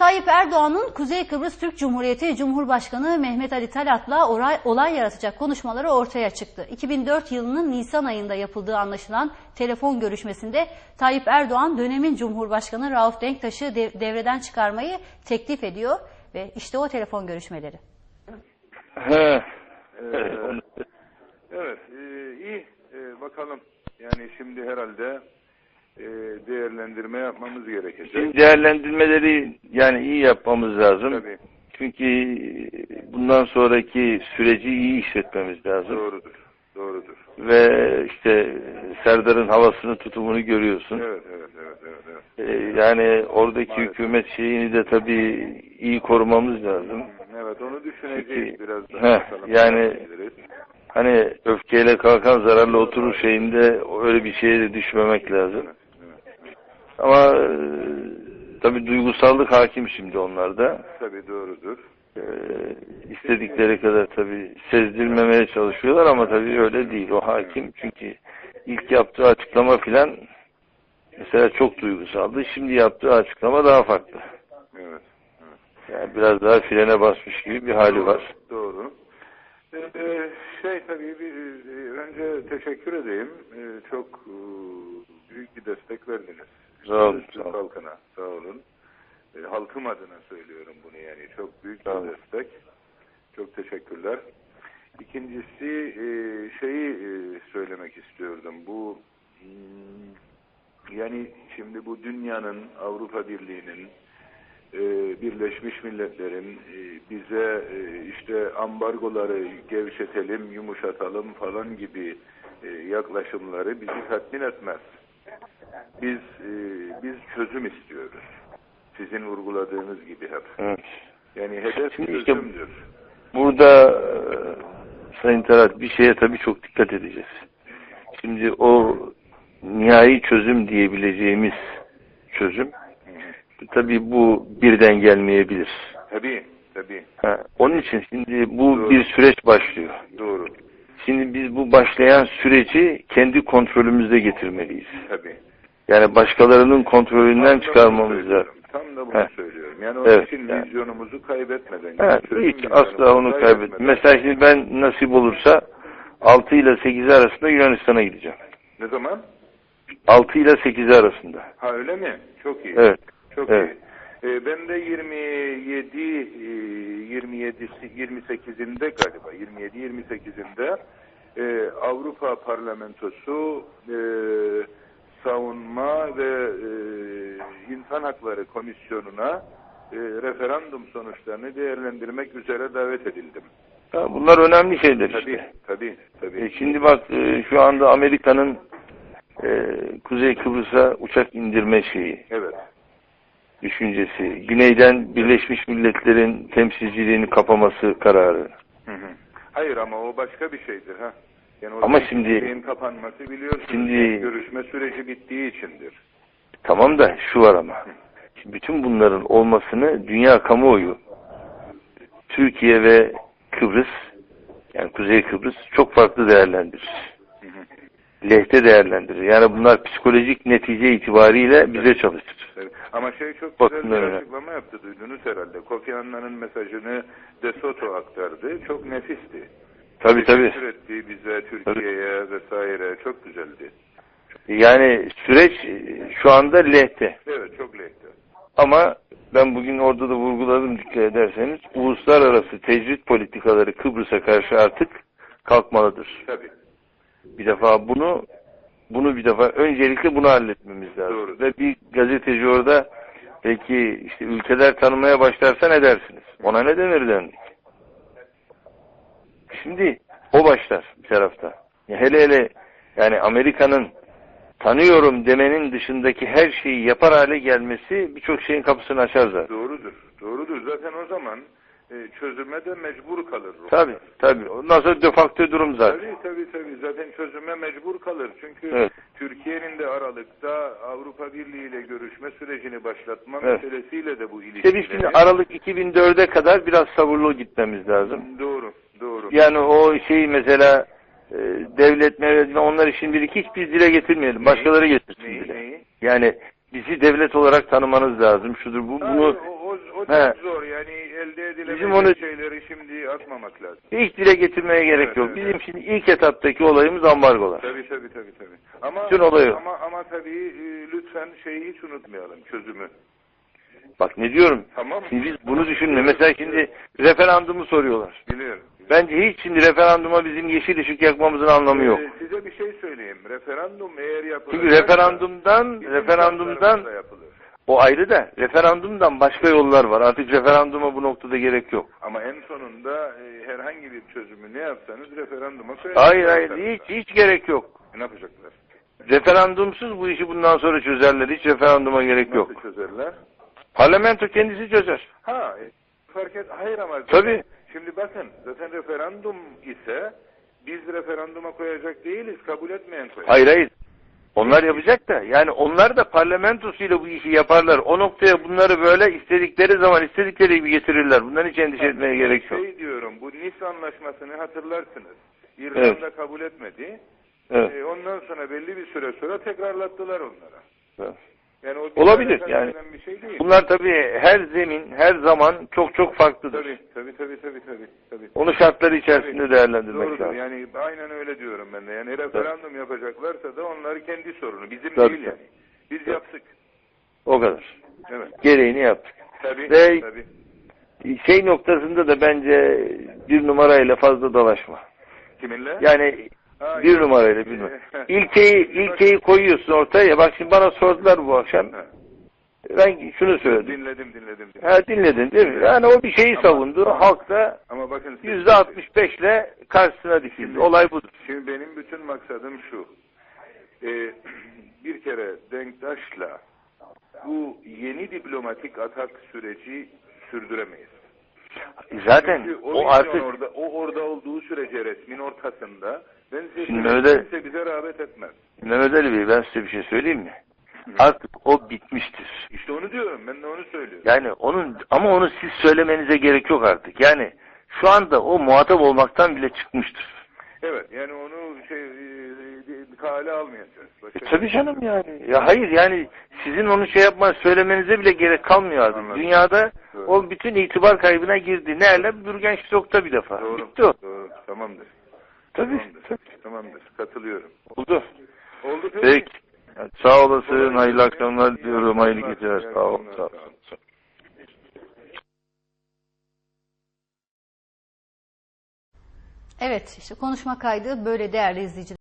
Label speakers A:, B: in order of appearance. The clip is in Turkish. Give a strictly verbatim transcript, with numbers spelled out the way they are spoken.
A: Tayyip Erdoğan'ın Kuzey Kıbrıs Türk Cumhuriyeti Cumhurbaşkanı Mehmet Ali Talat'la olay, olay yaratacak konuşmaları ortaya çıktı. iki bin dört yılının Nisan ayında yapıldığı anlaşılan telefon görüşmesinde Tayyip Erdoğan dönemin Cumhurbaşkanı Rauf Denktaş'ı dev, devreden çıkarmayı teklif ediyor ve işte o telefon görüşmeleri.
B: He. Evet, evet e, iyi e, bakalım. Yani şimdi herhalde e, değerlendirme yapmamız gerekecek.
C: Şimdi değerlendirmeleri yani iyi yapmamız lazım.
B: Tabii.
C: Çünkü bundan sonraki süreci iyi işletmemiz lazım.
B: Doğrudur. Doğrudur.
C: Ve işte Serdar'ın havasını, tutumunu görüyorsun.
B: Evet, evet, evet, evet. evet.
C: Ee, yani oradaki
B: Maalesef.
C: hükümet şeyini de tabii iyi korumamız lazım.
B: Evet, onu düşüneceğiz
C: Çünkü,
B: biraz daha.
C: heh, yani hani öfkeyle kalkan zararlı oturur şeyinde öyle bir şeye de düşmemek lazım.
B: Evet, evet, evet.
C: Ama e, tabii duygusallık hakim şimdi onlarda.
B: Tabii doğrudur.
C: Ee, istedikleri kadar tabii sezdirmemeye çalışıyorlar ama tabii öyle değil. O hakim çünkü ilk yaptığı açıklama filan mesela çok duygusaldı. Şimdi yaptığı açıklama daha farklı.
B: Evet. evet.
C: Yani biraz daha frene basmış gibi bir hali
B: Doğru,
C: var.
B: Doğru. Ee, şey tabii bir, önce teşekkür edeyim. Ee, çok e, büyük bir destek verdiniz.
C: Sağ olun.
B: Türk halkına. Sağ olun. E, halkım adına söylüyorum bunu yani. Çok büyük bir
C: Tamam.
B: destek. Çok teşekkürler. İkincisi e, şeyi e, söylemek istiyordum. Bu hmm, yani şimdi bu dünyanın, Avrupa Birliği'nin, e, Birleşmiş Milletler'in e, bize e, işte ambargoları gevşetelim, yumuşatalım falan gibi e, yaklaşımları bizi tatmin etmez. Biz e, biz çözüm istiyoruz. Sizin vurguladığınız gibi hep.
C: Evet.
B: Yani hedef
C: Şimdi işte
B: çözümdür.
C: burada e, Sayın Talat bir şeye tabii çok dikkat edeceğiz. Şimdi o nihai çözüm diyebileceğimiz çözüm tabii bu birden gelmeyebilir.
B: Tabii, tabii.
C: Ha, onun için şimdi bu
B: Doğru.
C: bir süreç başlıyor.
B: Doğru.
C: Şimdi biz bu başlayan süreci kendi kontrolümüzde getirmeliyiz.
B: Tabii.
C: Yani başkalarının kontrolünden
B: Tam da
C: çıkarmamız
B: bunu
C: lazım.
B: Tam da bunu
C: Heh.
B: söylüyorum. Yani onun
C: Evet,
B: için
C: yani.
B: vizyonumuzu kaybetmeden.
C: Evet,
B: çözüm
C: hiç
B: vizyonumuzu
C: asla onu kaybet. Mesela şimdi ben nasip olursa altı ile sekiz arasında Yunanistan'a gideceğim.
B: Ne zaman?
C: altı ile sekiz arasında.
B: Ha öyle mi? Çok iyi.
C: Evet.
B: Çok
C: evet.
B: iyi. Ee, ben de yirmi yedi yirmi yedisi yirmi sekizinde galiba yirmi yedi yirmi sekizinde e, Avrupa Parlamentosu e, Savunma ve e, İnsan Hakları Komisyonu'na e, referandum sonuçlarını değerlendirmek üzere davet edildim.
C: Ya bunlar önemli şeyler işte.
B: Tabii, tabii, tabii.
C: E şimdi bak e, şu anda Amerika'nın e, Kuzey Kıbrıs'a uçak indirme şeyi.
B: Evet.
C: Düşüncesi. Güneyden Birleşmiş Milletler'in temsilciliğini kapaması kararı.
B: Hı hı. Hayır ama o başka bir şeydir ha. Yani
C: ama şimdi
B: kapanması biliyorsunuz.
C: Şimdi
B: görüşme süreci bittiği içindir.
C: Tamam da şu var ama. Şimdi bütün bunların olmasını dünya kamuoyu, Türkiye ve Kıbrıs, yani Kuzey Kıbrıs çok farklı değerlendirir.
B: Hı hı.
C: Lehte değerlendirir. Yani bunlar psikolojik netice itibariyle bize çalışır.
B: Evet. Ama şey çok
C: Bakın
B: güzel bir
C: öyle.
B: açıklama yaptı, duydunuz herhalde. Kofi Annan'ın mesajını De Soto aktardı. Çok nefisti.
C: Tabii tabii.
B: Teşekkür etti bize, Türkiye'ye vesaire. Çok güzeldi.
C: Yani süreç şu anda lehte.
B: Evet, çok lehte.
C: Ama ben bugün orada da vurguladım dikkat ederseniz. Uluslararası tecrit politikaları Kıbrıs'a karşı artık kalkmalıdır.
B: Tabii.
C: Bir defa bunu bunu bir defa öncelikle bunu halletmemiz lazım.
B: Doğru.
C: Ve bir gazeteci orada peki işte ülkeler tanımaya başlarsa ne dersiniz? Ona ne denir dendik. Şimdi o başlar bir tarafta. Ya hele hele yani Amerika'nın tanıyorum demenin dışındaki her şeyi yapar hale gelmesi birçok şeyin kapısını açar zaten.
B: Doğrudur. Doğrudur. Zaten o zaman e, çözüme de mecbur kalır.
C: Tabii tabii. Ondan sonra de facto durum zaten.
B: Tabii tabii tabii. Zaten çözüme mecbur kalır. Çünkü
C: evet.
B: Türkiye'nin de Aralık'ta Avrupa Birliği ile görüşme sürecini başlatma
C: evet.
B: meselesiyle de bu ilişkileri.
C: İşte biz şimdi Aralık iki bin dörde kadar biraz sabırlı gitmemiz lazım.
B: Doğru. Doğru.
C: Yani o şeyi mesela e, devlet mevlet onları şimdilik hiç biz dile getirmeyelim. Başkaları getirsin
B: neyi,
C: bile.
B: Neyi?
C: Yani bizi devlet olarak tanımanız lazım. Şudur bu.
B: Ha,
C: bunu
B: o, o
C: He.
B: çok zor. Yani elde
C: Bizim
B: edilebilecek
C: onu-
B: şeyleri şimdi atmamak lazım.
C: Hiç dile getirmeye gerek
B: Evet,
C: yok.
B: evet,
C: Bizim
B: evet.
C: şimdi ilk etaptaki olayımız ambargolar.
B: Tabii tabii tabii tabii. Ama
C: Bütün olay o.
B: ama ama tabii e, lütfen şeyi hiç unutmayalım, çözümü.
C: Bak ne diyorum.
B: Tamam mı?
C: Şimdi biz bunu düşünme. Mesela şimdi referandumu soruyorlar.
B: Biliyorum.
C: Bence hiç şimdi referanduma bizim yeşil ışık yakmamızın anlamı yok.
B: Ee, size bir şey söyleyeyim. Referandum eğer yapılır.
C: Çünkü referandumdan referandumdan
B: yapılır.
C: o ayrı da referandumdan başka yollar var. Artık referanduma bu noktada gerek yok.
B: Ama en sonunda e, herhangi bir çözümü ne yapsanız referanduma koyarız.
C: Hayır hayır hiç hiç gerek yok.
B: E, ne yapacaklar?
C: Referandumsuz bu işi bundan sonra çözerler. Hiç referanduma gerek yok.
B: Nasıl çözerler?
C: Parlamento kendisi çözer.
B: Ha, e, fark et. Hayır ama zaten-
C: Tabii.
B: Şimdi bakın zaten referandum ise biz referanduma koyacak değiliz. Kabul etmeyen koyacak.
C: Hayır hayır. Onlar yapacak da yani onlar da parlamentosuyla bu işi yaparlar. O noktaya bunları böyle istedikleri zaman istedikleri gibi getirirler. Bundan hiç endişe etmeye gerek yok.
B: Şey diyorum, bu Nice Anlaşması'nı hatırlarsınız. İrlanda
C: Evet.
B: kabul etmedi.
C: Evet.
B: E, ondan sonra belli bir süre sonra tekrarlattılar onlara.
C: Evet.
B: Yani o bir
C: Olabilir
B: tane
C: yani.
B: bir şey değil.
C: Bunlar tabii her zemin, her zaman çok çok farklıdır.
B: Tabii tabii tabii tabii tabii. tabii.
C: Onu şartları içerisinde
B: Tabii.
C: değerlendirmek
B: Doğrudur.
C: lazım.
B: Yani aynen öyle diyorum ben de. Yani referandum yapacaklarsa da onları kendi sorunu. Bizim
C: Tabii,
B: değil yani. Biz
C: tabii.
B: yaptık.
C: O kadar.
B: Evet.
C: Gereğini yaptık.
B: Tabii.
C: Ve
B: tabii.
C: şey noktasında da bence bir numarayla fazla dalaşma.
B: Kiminle?
C: Yani
B: Ha,
C: bir
B: yok.
C: numarayla bir numara. İlkeyi, ilkeyi koyuyorsun ortaya. Bak şimdi bana sordular bu akşam.
B: Ha.
C: Ben şunu söyledim.
B: Dinledim dinledim. dinledim.
C: Ha dinledin değil mi? Yani o bir şeyi
B: Ama-
C: savundu.
B: ama-
C: Halk da
B: Ama bakın siz-
C: yüzde altmış beşle karşısına dikildi.
B: Şimdi-
C: Olay budur.
B: Şimdi benim bütün maksadım şu. Ee, bir kere Denktaş'la bu yeni diplomatik atak süreci sürdüremeyiz.
C: Zaten
B: Çünkü o,
C: o
B: vizyon
C: artık
B: orada, o orada olduğu sürece resmin ortasında ben size
C: Şimdi
B: söyleyeyim,
C: öyle-
B: kimse bize rağbet etmez.
C: Mehmet Ali Bey ben size bir şey söyleyeyim mi? Artık o bitmiştir.
B: İşte onu diyorum. Ben de onu söylüyorum.
C: Yani onun ama onu siz söylemenize gerek yok artık. Yani şu anda o muhatap olmaktan bile çıkmıştır.
B: Evet. Yani onu şey e, kale almayacağız. Başka
C: E, tabii canım yani. Ya hayır yani sizin onu şey yapma söylemenize bile gerek kalmıyor artık.
B: Anladım.
C: Dünyada
B: Doğru.
C: o bütün itibar kaybına girdi. Nerede? Bürgenstock'ta bir defa.
B: Doğru.
C: Bitti o.
B: Doğru. Tamamdır.
C: Tabii.
B: Tamamdır.
C: tabii.
B: Tamamdır. Katılıyorum.
C: Oldu.
B: Oldu peki.
C: Peki. Yani sağ olasın.
B: Kolay
C: Hayırlı
B: gelsin.
C: akşamlar
B: İyi
C: diliyorum. Hayırlı
B: akşamlar.
C: geceler.
B: İyi
C: Sağ ol.
B: akşamlar.
C: Sağ ol.
B: Sağ ol.
A: Evet, işte konuşma kaydı böyle değerli izleyiciler.